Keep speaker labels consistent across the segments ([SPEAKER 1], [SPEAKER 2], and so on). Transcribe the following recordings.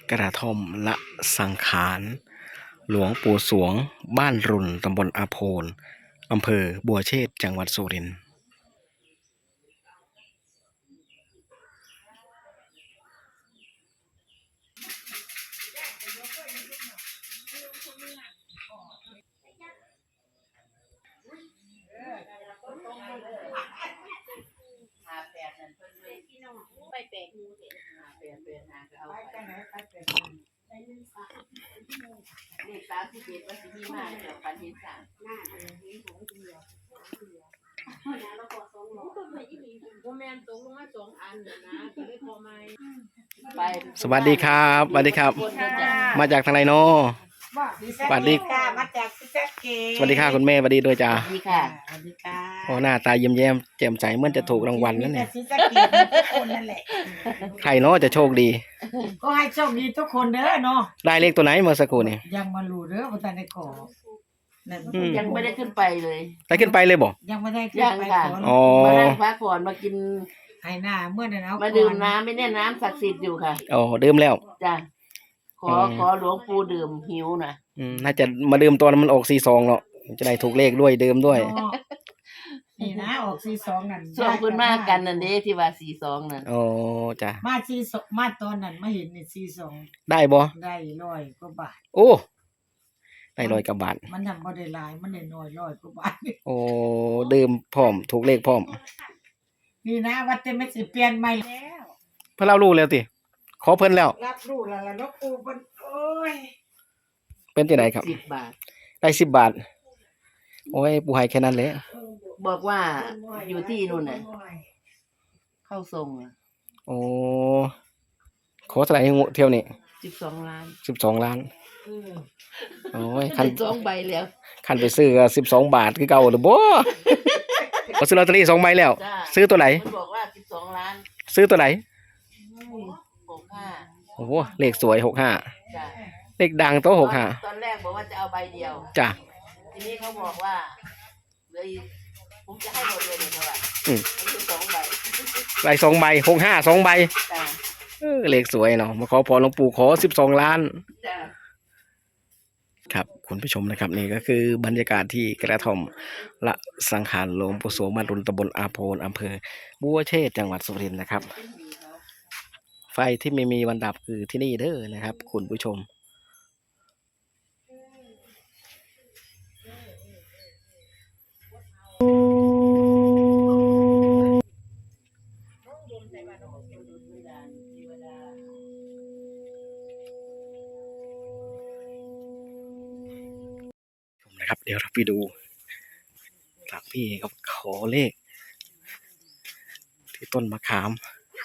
[SPEAKER 1] กระท่อมละสังขารหลวงปู่สวงบ้านรุนตำบลอาโพนอำเภอบัวเชษจังหวัดสุรินทร์
[SPEAKER 2] เลข31ว่าสิมีมาเดี๋ยวปันเห็น3หน้าอันนี้ของเดียวแล้วก็2ก็ไม่อีบ่แม่นตกลงมา2อันนะก็เลยพอไหมไป
[SPEAKER 1] สวัสดีครับสวัสดีครับ มาจากทางไหนเนาะสวัสดี
[SPEAKER 3] ค่ะมาจากซิสเกต
[SPEAKER 1] สวัสดีค่ะคุณแม่สวัสดีด้วยจ้า
[SPEAKER 2] สวัสดีค่ะ
[SPEAKER 3] สวัสดีค่ะ
[SPEAKER 1] โอ้หน้าตายิ้มแย้มแจ่มใสเหมือนจะถูกรางวัลนั่นแหละ
[SPEAKER 3] ซิสเกตทุกคนนั่นแหละ
[SPEAKER 1] ใครเนาะจะโชคดี
[SPEAKER 3] ก็ให้โชคดีทุกคนเด้อเนาะ
[SPEAKER 1] ได้เลขตัวไหนเมื่อสักครู่นี่
[SPEAKER 3] ยังมารู้เด้อว่าท่านได้ขอนั่น
[SPEAKER 2] ยังไม่ได้ขึ้นไปเลย
[SPEAKER 1] ได้ขึ้นไปเลยบ่
[SPEAKER 3] ยังไม่ได้ขึ้น
[SPEAKER 2] ยัง
[SPEAKER 3] ไป
[SPEAKER 2] ค่ะ
[SPEAKER 3] ขอ
[SPEAKER 1] อ๋อ
[SPEAKER 2] มานั่งพักผ่อนมากิน
[SPEAKER 3] ให้หน้าเมื่อนั้นเอา
[SPEAKER 2] มาดื่มน้ำไม่แน่น้ำศักดิ์สิทธิ์อยู่ค่ะ
[SPEAKER 1] อ๋อดื่มแล้ว
[SPEAKER 2] จ้ะขอหลวงปู่ดื่มหิวนะ
[SPEAKER 1] น่าจะมาดื่มตอนมันออก42เนาะจะได้ถูกเลขด้วยดื่มด้วย
[SPEAKER 3] นี่นะออก42นั่น
[SPEAKER 2] ส่วนคุณมากกันนั่นเด้ที่ว่า42นั่น
[SPEAKER 1] อ๋อจ้ะ
[SPEAKER 3] มา42มาตอนนั้นมาเห็นนี่42
[SPEAKER 1] ได้บ่
[SPEAKER 3] ได้100กว่าบาท
[SPEAKER 1] โอ้ได้100 กว่าบาท
[SPEAKER 3] มันทำบ่ได้หลายมันได้น้อย100กว่าบาท
[SPEAKER 1] โอ้ดื่มพร้อมถูกเลขพร้อม
[SPEAKER 3] นี่นะวัดจะไม่สิเปลี่ยนใหม่แล้ว
[SPEAKER 1] เพิ่นเรารู้แล้วติขอเพิ่นแล้ว
[SPEAKER 3] รับรู้แล้วล่ะเนาะปู่เพิ่นโอ้ย
[SPEAKER 1] เป็นที่ไหนครับ
[SPEAKER 2] 10 บาท
[SPEAKER 1] ได้10 บาทโอ้ยปู่ให้แค่นั้นแหละ
[SPEAKER 2] บอกว่าอยู่ที่นู่นน่ะเข้าทรงอ่ะ
[SPEAKER 1] โอ้ขอเท่าไหร่เที่ยวนี้
[SPEAKER 2] 12 ล้าน
[SPEAKER 1] 12 ล้านโอ้ยคัน
[SPEAKER 2] ได้2ใบแล้ว
[SPEAKER 1] คันไปซื้อก็12 บาทคือเก่าหรือบ่เขาซื้อลอตเตอรี่2ใบแล้ว
[SPEAKER 2] จ้า
[SPEAKER 1] ซื้อตัวไหน
[SPEAKER 2] มันบอกว่า12 ล้าน
[SPEAKER 1] ซื้อตัวไหน
[SPEAKER 2] 65
[SPEAKER 1] โอ้โหเลขสวย65
[SPEAKER 2] จ้ะ
[SPEAKER 1] เลขดังโต๊ะ65
[SPEAKER 2] ตอนแรกบอกว่าจะเอาใบเดียว
[SPEAKER 1] จ้ะ
[SPEAKER 2] ทีนี้เขาบอกว่าเลยผมจะให้หมดเลยเท่าไหร่
[SPEAKER 1] อืม
[SPEAKER 2] มันคือ2 ใบ
[SPEAKER 1] ได้2 ใบ65 2 ใบ
[SPEAKER 2] จ้ะ
[SPEAKER 1] เลขสวยเนาะมาขอพรหลวงปู่ขอ12 ล้าน
[SPEAKER 2] จ้ะ
[SPEAKER 1] ครับคุณผู้ชมนะครับนี่ก็คือบรรยากาศที่กระท่อมละสังขารหลวงปู่สวงบ้านรุนตำบลอาโพนอำเภอบัวเชษจังหวัดสุรินทร์นะครับ ไฟที่ไม่มีวันดับคือที่นี่เด้อนะครับ คุณผู้ชมนะครับเดี๋ยวเราไปดูหลักพี่เขาขอเลข ที่ต้นมะขาม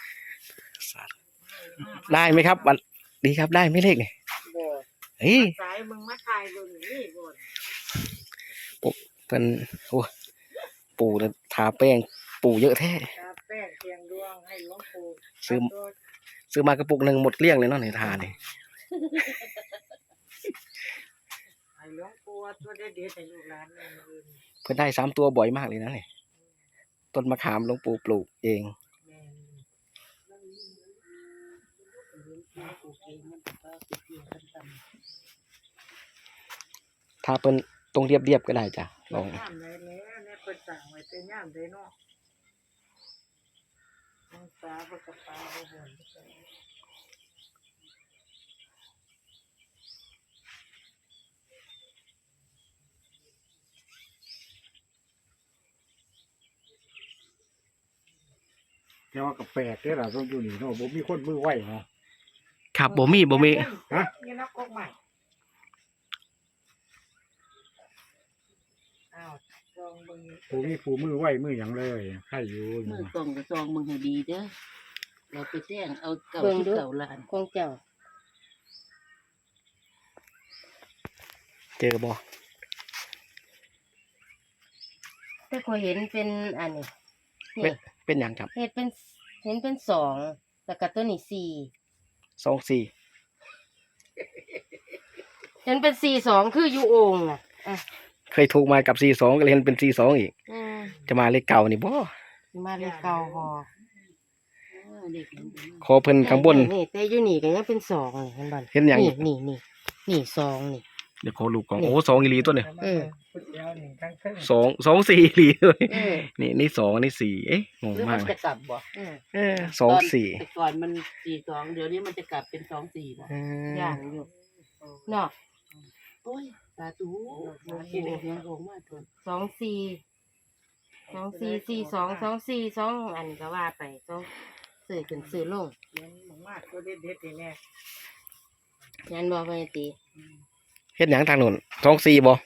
[SPEAKER 1] ได้ไหมครับวันดีครับได้ไหมเลขเนี่ย
[SPEAKER 3] บ่
[SPEAKER 1] เฮ้ย
[SPEAKER 3] สายมึงมาถ่ายเบิ่งนี่บ่
[SPEAKER 1] เป็นโอ้ปู่เนี่ยทาแป้งปู่เยอะแท้
[SPEAKER 3] ตาแป้งเทียงดวงให้หลวงปู่
[SPEAKER 1] ซื้อมากระปุกหนึ่งหมดเกลี้ยงเลยเนาะในทาเนี่ย
[SPEAKER 3] ให้หลวงปู่ตัวเด็ดๆให้ลูกหลานเอิ้น
[SPEAKER 1] เพิ่นได้3 ตัวบ่อยมากเลยนะเนี่ยต้นมะขามหลวงปู่ปลูกเอง
[SPEAKER 3] แม่น
[SPEAKER 1] ถ้าเป็นตรงเรียบๆก็ได้จ้ะลอง
[SPEAKER 3] ย่ามใดแล้วเนี่ยเพิ่นสั่งไว้แต่ย่ามใดเนาะองศาบ่กระปาบ่บ่น
[SPEAKER 4] แต่ว่ากับแปลกเด้อล่ะต้องอยู่นี่เนาะบ่มีคนมือไวเนาะ
[SPEAKER 1] ครับบ่มี
[SPEAKER 4] ฮะ
[SPEAKER 3] นี่นักกกใหม่อ้าวลองเบิ่ง
[SPEAKER 4] บ่มีผู้มือไวมือหยังเลยใครอยู่
[SPEAKER 2] มือส่งกับซองมึงให้ดีเด้อเราไปแจ้งเอาเก่า
[SPEAKER 5] เบิ่ง
[SPEAKER 2] ที่
[SPEAKER 5] ดู
[SPEAKER 2] เก่าล้าน
[SPEAKER 5] ของเจ้า
[SPEAKER 1] เจอบ่
[SPEAKER 5] แต่ก็เห็นเป็นอันนี้
[SPEAKER 1] เป็
[SPEAKER 5] นี่
[SPEAKER 1] นเป็นหยังครับ
[SPEAKER 5] เห็นเป็น2แล้วก็ตัวนี้4
[SPEAKER 1] 24
[SPEAKER 5] เห็นเป็น42คืออยู่โอ่งน่ะอ่ะ
[SPEAKER 1] เคยถูกมากับ42ก็เลยเห็นเป็น42อีก
[SPEAKER 5] อืม
[SPEAKER 1] จะมาเลขเก่านี่บ่
[SPEAKER 5] มาเลยเก่าบ่
[SPEAKER 1] ขอเพิ่นข้างบน
[SPEAKER 5] นี่แต่อยู่นี่ก็ยังเป็นสองนี่เห็นบ่
[SPEAKER 1] เห็นหยัง
[SPEAKER 5] นี่สองนี่
[SPEAKER 1] เดี๋ยวขอลูกก่อนโอ้สองอีหลีตัวเนี่ย
[SPEAKER 3] พุดเดียวหนึ่งทั้งครึ่ง
[SPEAKER 1] สองสี่อีหลีเลย
[SPEAKER 5] เออ
[SPEAKER 1] นี่สองนี่สี่เอ๊ะงง
[SPEAKER 2] หรือ
[SPEAKER 1] มา
[SPEAKER 2] มั
[SPEAKER 1] ก
[SPEAKER 2] น
[SPEAKER 1] เล
[SPEAKER 2] จะ
[SPEAKER 1] ย
[SPEAKER 2] กลับบ่
[SPEAKER 1] สองสี่
[SPEAKER 2] แต่ก่อนมัน42เดี๋ยวนี้มันจะกลับเป็น24บ่
[SPEAKER 5] ย่างอยู่เนาะ
[SPEAKER 2] โอ้ยสาธุหลวงปู่ยังลงมาเถิด
[SPEAKER 5] สองสี่สองอันนี้ก็ว่าไปต้องซื้อขึ้นซื้อลง
[SPEAKER 3] เขียนมากตัวเด็ดๆนี่แน่
[SPEAKER 5] ยันบอกไปตี
[SPEAKER 1] เฮ็ดหยังทางโน้นสองสี่บ่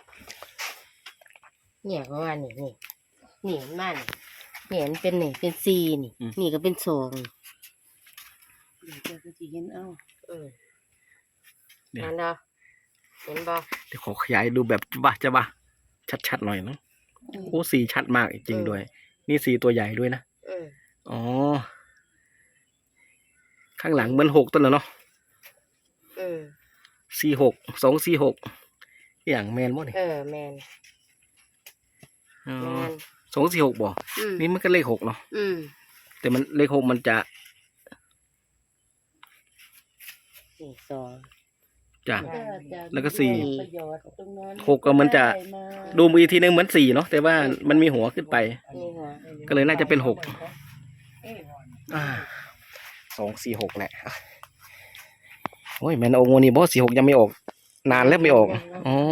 [SPEAKER 5] เนี่ยเพราะว่านี่มันนี่มันเป็นนี่เป็นสี่นี่นี่ก็เป็นสอง
[SPEAKER 2] เดี๋ยวจะสิเห็นเอา
[SPEAKER 5] นั่นเด้อเห็นบ่
[SPEAKER 1] เดี๋ยวขอขยายดูแบบจะบ้าชัดๆหน่อยเนาะโอ้สี่ชัดมากจริงด้วย นี่สี่ตัวใหญ่ด้วยนะ อ๋อ ข้างหลังเหมือนหกต้นแล้วเนาะ46 246อย่างแมนบ่เนี่ย
[SPEAKER 5] แมน
[SPEAKER 1] อ๋อ
[SPEAKER 5] แมน
[SPEAKER 1] 246บ่นี่มันก็เลข6เนาะแต่มันเลข6มันจะ
[SPEAKER 5] นี่สอง
[SPEAKER 1] จ้ะ
[SPEAKER 2] ก็จะ
[SPEAKER 1] แล้วก็สี่
[SPEAKER 2] ประโยชน์ตรงนั้น
[SPEAKER 1] หกก็มันจะ
[SPEAKER 2] ได้มา
[SPEAKER 1] ดูอีกทีนึงเหมือน4เนาะแต่ว่ามันมีหัวขึ้นไป
[SPEAKER 5] นี่หัว
[SPEAKER 1] ก็เลยน่าจะเป็น6
[SPEAKER 3] เอ้ย
[SPEAKER 1] 246แหละโอ้ยแม่นองค์นี้บ่46ยังไม่ออก นานแล้วไม่ออกอ๋อ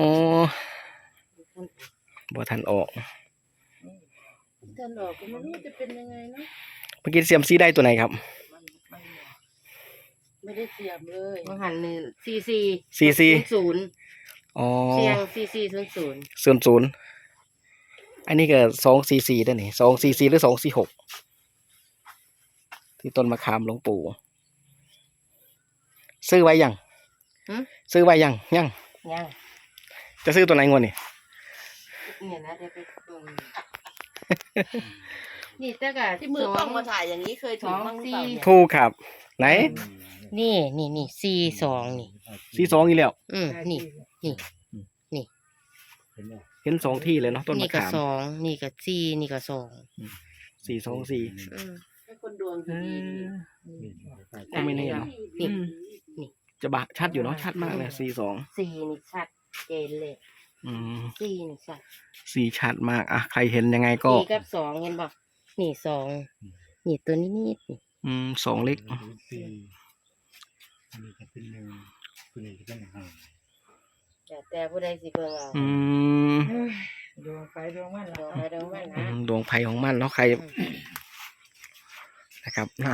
[SPEAKER 1] บ่ทันออก
[SPEAKER 2] ท่านออกก็ไม่รู้จะเป็นยังไงเนาะ
[SPEAKER 1] เมื่อกี้เซียมซีได้ตัวไหนครับ
[SPEAKER 2] ไม่ได้เสียบเลย
[SPEAKER 5] มันหันหนึ่งซี ศูนย์
[SPEAKER 1] อ๋อ
[SPEAKER 5] เสียงซีศูนย์
[SPEAKER 1] 00อันนี้ก็244ได้นี่244หรือ246ที่ต้นมะขามหลวงปู่ซื้อไว้ยังซื้อไว้ยัง
[SPEAKER 5] ยัง
[SPEAKER 1] จะซื้อตัวไหนงวดนี่
[SPEAKER 5] เนี่ยนะเดี๋ยวไปเบิ่งนี่แต่ก็
[SPEAKER 2] ที่มือต้องมาถ่ายอย่างนี้เคยถูกบ้างหรือเปล่าเนี่ย
[SPEAKER 1] ถูกครับ ไหน
[SPEAKER 5] นี่ซีสองนี่
[SPEAKER 1] 42อีกแล้ว
[SPEAKER 5] นี่
[SPEAKER 1] เห็น2ที่เลยเนาะต้น
[SPEAKER 5] นี่
[SPEAKER 1] มะ
[SPEAKER 5] ก็
[SPEAKER 1] ขาม
[SPEAKER 5] สองนี่ก็ซีนี่ก็สอง
[SPEAKER 1] 424
[SPEAKER 2] ให้คนดวงดี
[SPEAKER 1] ก็ไม่แน่เนาะ
[SPEAKER 5] นี่
[SPEAKER 1] จะบะชัดอยู่เนาะชัดมากเลย42
[SPEAKER 5] ซีนี่ชัดเจนเลย
[SPEAKER 1] อืม
[SPEAKER 5] ซีนี่ชัด
[SPEAKER 1] 4ชัดมากอ่ะใครเห็นยังไงก็
[SPEAKER 5] ซีกับสองเห็นบ่นี่สองนี่ตัวนี้นี่
[SPEAKER 1] 2เล็ก
[SPEAKER 4] สี่อันนี้จะเป็นหนึ่งตัวนี้จะเป็นห้า
[SPEAKER 5] แต่ผู้ใดสิเบิ่งเอา
[SPEAKER 1] อืม
[SPEAKER 3] ดวงไฟดวงมัน
[SPEAKER 5] ด
[SPEAKER 3] ละ
[SPEAKER 5] วงไปดวงมันนะ
[SPEAKER 1] ดวงไฟของมันเนาะใครนะครับนะ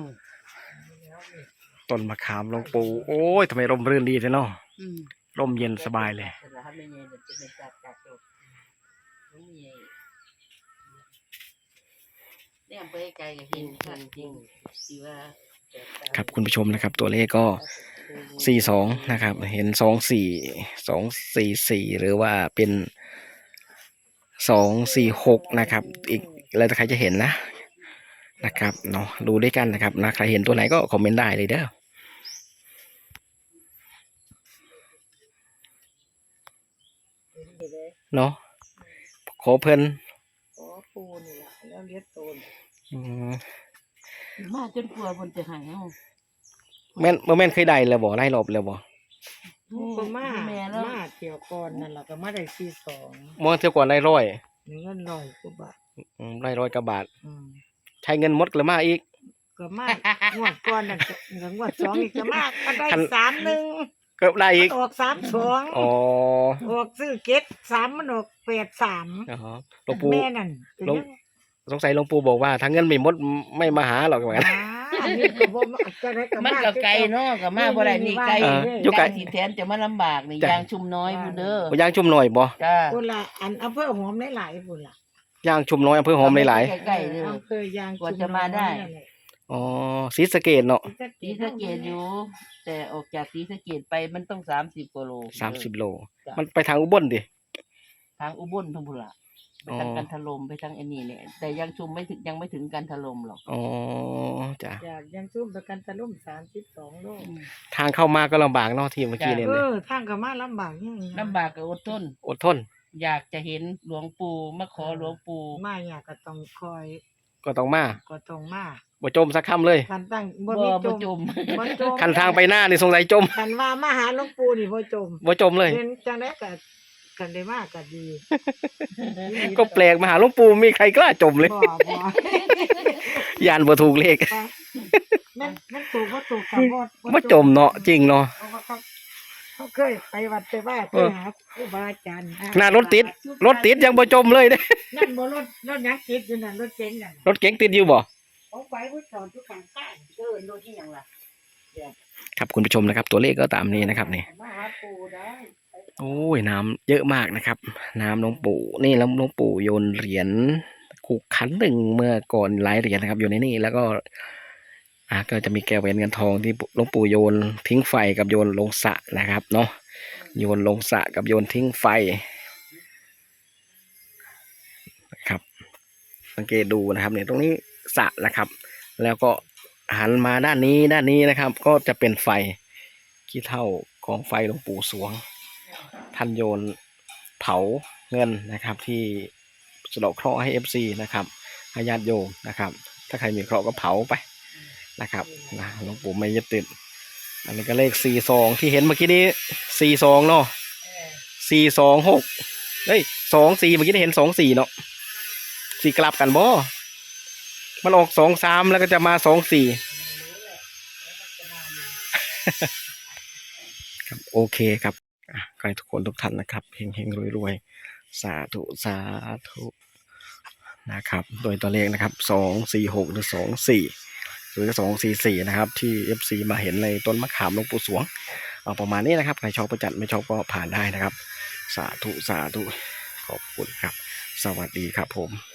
[SPEAKER 1] ต้นมะขามหลวงปู่โอ้ยทำไมร่มรื่นดีเลยเนาะร่มเย็นสบายเลย
[SPEAKER 2] ๆแต่ละไม่เย็นเดี๋ยวจะเป็นจัดจบนี่เย็นเนี่ยไปไกลกับหินจริงที่ว่า
[SPEAKER 1] ครับคุณผู้ชมนะครับ ตัวเลขก็42นะครับเห็น24244หรือว่าเป็น246นะครับอีกแล้วแต่ใครจะเห็นนะครับเนาะดูด้วยกันนะครับนะใครเห็นตัวไหนก็คอมเมนต์ได้เลยเด้อเนาะขอเพิ่น
[SPEAKER 3] โอ้ปูนี่ละแล้วเลี้ยงโตน
[SPEAKER 1] อืม
[SPEAKER 2] มาจนกลัวคนจะหายเอา
[SPEAKER 1] แม่นเคยได้แล้วบ่ได้รอบแล้วบ่
[SPEAKER 3] ก็มา
[SPEAKER 2] แม่แล้ว
[SPEAKER 3] มาเที่ยวก่อนนั่นแหละก็มาได้ที่สอง
[SPEAKER 1] เมื่อเที่ยวก่อนได้ร้อย
[SPEAKER 3] เงินร้อยกว่าบาท
[SPEAKER 1] ได้ร้อยกว่าบาท
[SPEAKER 3] อืม
[SPEAKER 1] ใช้เงินหมดกระมาอีก
[SPEAKER 3] ก็มางวดก่อนนั่นก็งวดสองอีกก็มากก็ได้
[SPEAKER 1] คัน
[SPEAKER 3] 31
[SPEAKER 1] ก็ได้อีก
[SPEAKER 3] ออก32
[SPEAKER 1] อ๋อ
[SPEAKER 3] ออกซื้อเก็ต3มันออก83
[SPEAKER 1] อ๋อหลวงปู่
[SPEAKER 3] แม่นั่นก็ยัง
[SPEAKER 1] สงสัยหลวงปู่บอกว่าถ้าเงินไม่หมดไม่มาหาหรอกเหมือนกัน
[SPEAKER 3] อันนี้ก็บ่จะได้ก็
[SPEAKER 2] มันก็ไกลเนาะก็มาบ่ได้นี่ไกล
[SPEAKER 1] อยู่ไกล
[SPEAKER 2] ที่แทนจะมาลำบากนี่
[SPEAKER 1] จ้ะ
[SPEAKER 2] ยางชุมน้อยพู้นเด้อ
[SPEAKER 1] ย่างชุ่มหน่อยบ่
[SPEAKER 2] จ้า
[SPEAKER 3] พุ่นละอันอำเภอหอมหลายๆพุ่นล่ะ
[SPEAKER 1] ย่างชุ่มน้อยอำเภอหอมหลาย
[SPEAKER 2] ใกล้ๆเด้อ
[SPEAKER 3] อำเภอยาง
[SPEAKER 2] กว่าจะมาได้
[SPEAKER 1] ๆอ๋อศรีสะเกษเนาะ
[SPEAKER 2] ศรีสะเกษอยู่ แต่ออกจากศรีสะเกษไปมันต้อง30กว่าโล
[SPEAKER 1] 30 โล มันไปทางอุบลดิ
[SPEAKER 2] ทางอุบลทุ่งพุ่นล่ะไปทางกันทลมไปทางไอ้นี่เนี่ยแต่ยังชุมไม่ถึงยังไม่ถึงกันทลมหรอก
[SPEAKER 1] อ๋อจ้ะ
[SPEAKER 3] จากยังซุ่มประกันตะลุ่ม32 โล
[SPEAKER 1] ทางเข้ามาก็ลำบากเนาะที่เมื่อกี้เนี่ย
[SPEAKER 3] ทางก็มาลำบากยัง
[SPEAKER 2] ลำบากก็อดทน
[SPEAKER 1] อดทน
[SPEAKER 2] อยากจะเห็นหลวงปู่มาขอหลวงปู่
[SPEAKER 3] มาอยากก็ต้องคอย
[SPEAKER 1] ก็ต้องมา
[SPEAKER 3] ก็ต้องมา
[SPEAKER 1] บ่จมสักคำเลย
[SPEAKER 3] คันตั้ง
[SPEAKER 5] บ่
[SPEAKER 3] มี
[SPEAKER 5] บ่จม
[SPEAKER 3] บ่จม
[SPEAKER 1] คันทางไปหน้านี่สงสัยจม
[SPEAKER 3] คันว่ามาหาหลวงปู่นี่บ่จม
[SPEAKER 1] บ่จมเลย
[SPEAKER 3] เรียนจังได๋ก็กันได้มากก็ดี
[SPEAKER 1] ก็แปลกมาหาหลวงปู่มีใครกล้าจมเลย
[SPEAKER 3] บ่บ่
[SPEAKER 1] ยานบ่ถูกเลข
[SPEAKER 3] มันถูกบ่ถูกก็บ่
[SPEAKER 1] บ่จมเนาะจริงเนาะ
[SPEAKER 3] เพราะว่าเขาเคยไปวัดไปว่าไปหาครูบาอาจารย์
[SPEAKER 1] ขนาดรถติดยังบ่จมเลยเด้
[SPEAKER 3] นั่นบ่รถยังติดอยู่นั่นรถเก๋งนั่น
[SPEAKER 1] รถเก๋งติดอยู่บ่
[SPEAKER 3] เอาไปผู้สอนทุกการใต้รถที่หยังล่ะ
[SPEAKER 1] ครับคุณผู้ชมนะครับ ตัวเลขก็ตามนี้นะครับนี่
[SPEAKER 3] มาหาปู่ได้
[SPEAKER 1] โอ้ยน้ำเยอะมากนะครับ น้ำหลวงปู่นี่แล้วหลวงปู่โยนเหรียญขุกขันหนึ่งเมื่อก่อนหลายเหรียญนะครับอยู่ในนี่แล้วก็ก็จะมีแก้วแหวนเงินทองที่หลวงปู่โยนทิ้งไฟกับโยนลงสระนะครับเนาะโยนลงสระกับโยนทิ้งไฟนะครับสังเกตดูนะครับเนี่ยตรงนี้สระนะครับ แล้วก็หันมาด้านนี้นะครับ ก็จะเป็นไฟขี้เถ้าของไฟหลวงปู่สวงท่านโยนเผาเงินนะครับ ที่สะเดาะเคราะห์ให้ FC นะครับให้ญาติโยมนะครับ ถ้าใครมีเคราะห์ก็เผาไปนะครับนะหลวงปู่ไม่ยึดติดอันนี้ก็เลข42ที่เห็นเมื่อกี้นี้42เนาะ426เฮ้ย24เมื่อกี้ได้เห็น24เนาะสี่กลับกันบ่มันออก23แล้วก็จะมา24ครับโอเคครับขอให้ทุกคนทุกท่านนะครับเฮงๆรวยๆสาธุนะครับ โดยตัวเลขนะครับ246หรือ24หรือ244นะครับที่ FC มาเห็นในต้นมะขามหลวงปู่สวงเอาประมาณนี้นะครับใครชอบประจัดไม่ชอบก็ผ่านได้นะครับสาธุขอบคุณครับสวัสดีครับผม